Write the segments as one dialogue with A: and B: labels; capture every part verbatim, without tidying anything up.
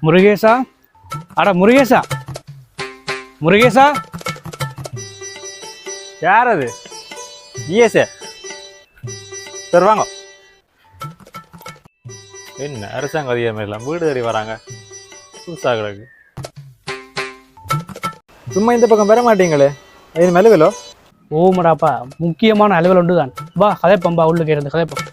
A: முருகேசா, அட முருகேசா, முருகேசா.
B: யார் அது? ஜிஎஸ்ஏ சார் வாங்க. என்ன அரசாங்க அதிகாரம் எல்லாம் வீடு தேடி வராங்க, புதுசாக கிடக்கு. சும்மா இந்த பக்கம் பெற மாட்டீங்களே, இது மெலுவிலோ?
A: ஓமடாப்பா, முக்கியமான அலுவல் ஒன்று தான். வா கதைப்பம்பா, உள்ளுக்கு இருந்து கதைப்பம்.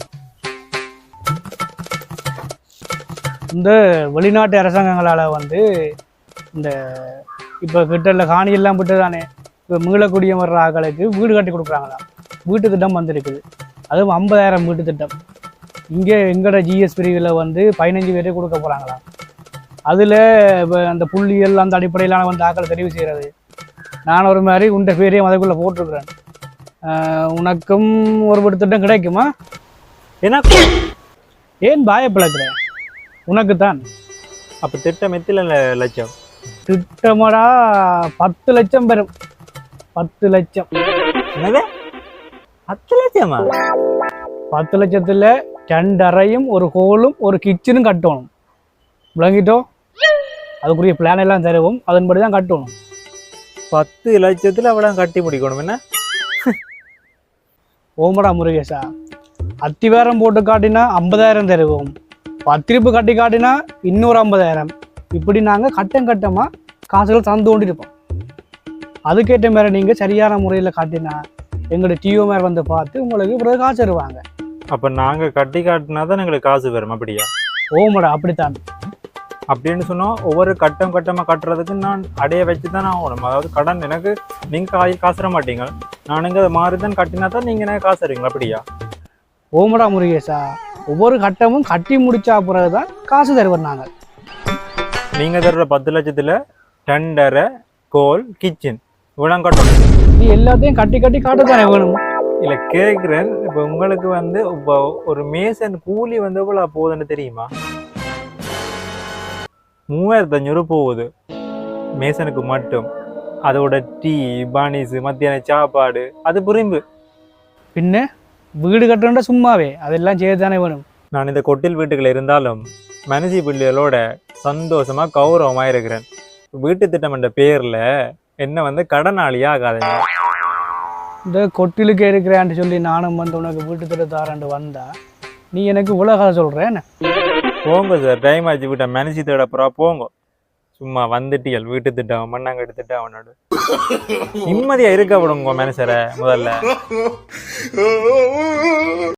A: இந்த வெளிநாட்டு அரசாங்கங்களால் வந்து இந்த இப்போ கிட்ட காணியெல்லாம் விட்டு தானே இப்போ மீளக்கூடிய வர்ற ஆக்களுக்கு வீடு கட்டி கொடுக்குறாங்களாம். வீட்டு திட்டம் வந்திருக்குது, அதுவும் ஐம்பதாயிரம் வீட்டு திட்டம். இங்கே எங்களோட ஜிஎஸ் பிரிவில் வந்து பதினஞ்சு பேரே கொடுக்க போகிறாங்களாம். அதில் இப்போ அந்த புள்ளிகள் அந்த அடிப்படையிலான வந்து ஆக்களை தெரிவு செய்கிறது. நான் ஒரு மாதிரி உண்ட பேரையும் அதுக்குள்ளே போட்டிருக்கிறேன். உனக்கும் ஒரு வீட்டு திட்டம் கிடைக்குமா?
B: எனக்கு
A: ஏன் பாயப்பழக்கிறேன்? உனக்கு தான்.
B: அப்போ திட்டம் எத்தில லட்சம்?
A: திட்டமாடா பத்து லட்சம் பெறும். பத்து லட்சம்.
B: என்னது? பத்து லட்சமா?
A: பத்து லட்சத்தில் ரெண்டு அறையும் ஒரு ஹோலும் ஒரு கிச்சனும் கட்டணும். விளங்கிட்டோம்? அதுக்குரிய பிளான் எல்லாம் தருவோம், அதன்படி தான் கட்டணும்.
B: பத்து லட்சத்தில் அவ்வளோ கட்டி முடிக்கணும் என்ன?
A: ஓமடா முருகேசா, அத்திவாரம் போட்டு காட்டினா ஐம்பதாயிரம் தருவோம், பத்திரிப்பு கட்டி காட்டினா இன்னொரு ஐம்பதாயிரம். இப்படி நாங்கள் கட்டம் கட்டமாக காசுகள் தந்து கொண்டு இருப்போம். அதுக்கேற்ற மாதிரி நீங்கள் சரியான முறையில் காட்டினா எங்களுடைய டிஓ மேலே வந்து பார்த்து உங்களுக்கு பிறகு காசு தருவாங்க.
B: அப்போ நாங்கள் கட்டி காட்டினா தான் எங்களுக்கு காசு வரும் அப்படியா?
A: ஓமடா அப்படித்தான்.
B: அப்படின்னு சொன்னால் ஒவ்வொரு கட்டம் கட்டமாக கட்டுறதுக்கு நான் அடைய வச்சு தான் ஆகணும். அதாவது கடன் எனக்கு நீங்கள் காய் காசு தர மாட்டீங்க, நானுங்க அதை மாறி தான் கட்டினா தான் நீங்கள் எனக்கு காசு தருவீங்களா அப்படியா?
A: ஓமடா முருகேசா, ஒவ்வொரு கட்டமும் கட்டி முடிச்சா பிறகு தான் காசு தருவோம் நாங்கள்.
B: நீங்கள் தர்ற பத்து லட்சத்தில் டெண்டரை கோல் கிச்சன் இவ்வளோ கட்டணும்.
A: நீ எல்லாத்தையும் கட்டி கட்டி காட்டத்தானே வேணும்.
B: இல்லை கேட்குறேன், இப்போ உங்களுக்கு வந்து இப்போ ஒரு மேசன் கூலி வந்து எவ்வளோ போகுதுன்னு தெரியுமா? மூவாயிரத்தி அஞ்சூறு போகுது மேசனுக்கு மட்டும். அதோட டீ பானிஸு மத்தியான சாப்பாடு அது புரிம்பு.
A: பின்ன வீடு கட்டணுன்ற சும்மாவே அதெல்லாம் செய்யத்தானே வேணும்.
B: நான் இந்த கொட்டில் வீட்டுக்குள்ள இருந்தாலும் மனுஷி பிள்ளைகளோட சந்தோஷமா கௌரவமாக இருக்கிறேன். வீட்டு திட்டம் என்ற பேரில் என்ன வந்து கடனாளியாக ஆகாதுங்க.
A: இந்த கொட்டிலுக்கு இருக்கிறான்னு சொல்லி நானும் வந்து உனக்கு வீட்டு திட்டம் தாராண்டு வந்தா நீ எனக்கு உலக சொல்கிறேன்.
B: போங்க சார், டைம் ஆச்சு, வீட்டை மனுஷி தேடப்புறா போங்க. சும்மா வந்துட்டியல் வீட்டு திட்டம் மண்ணாங்கட்டு திட்டம் அவனோட நிம்மதியாக இருக்க விடுங்க மனுஷரை முதல்ல.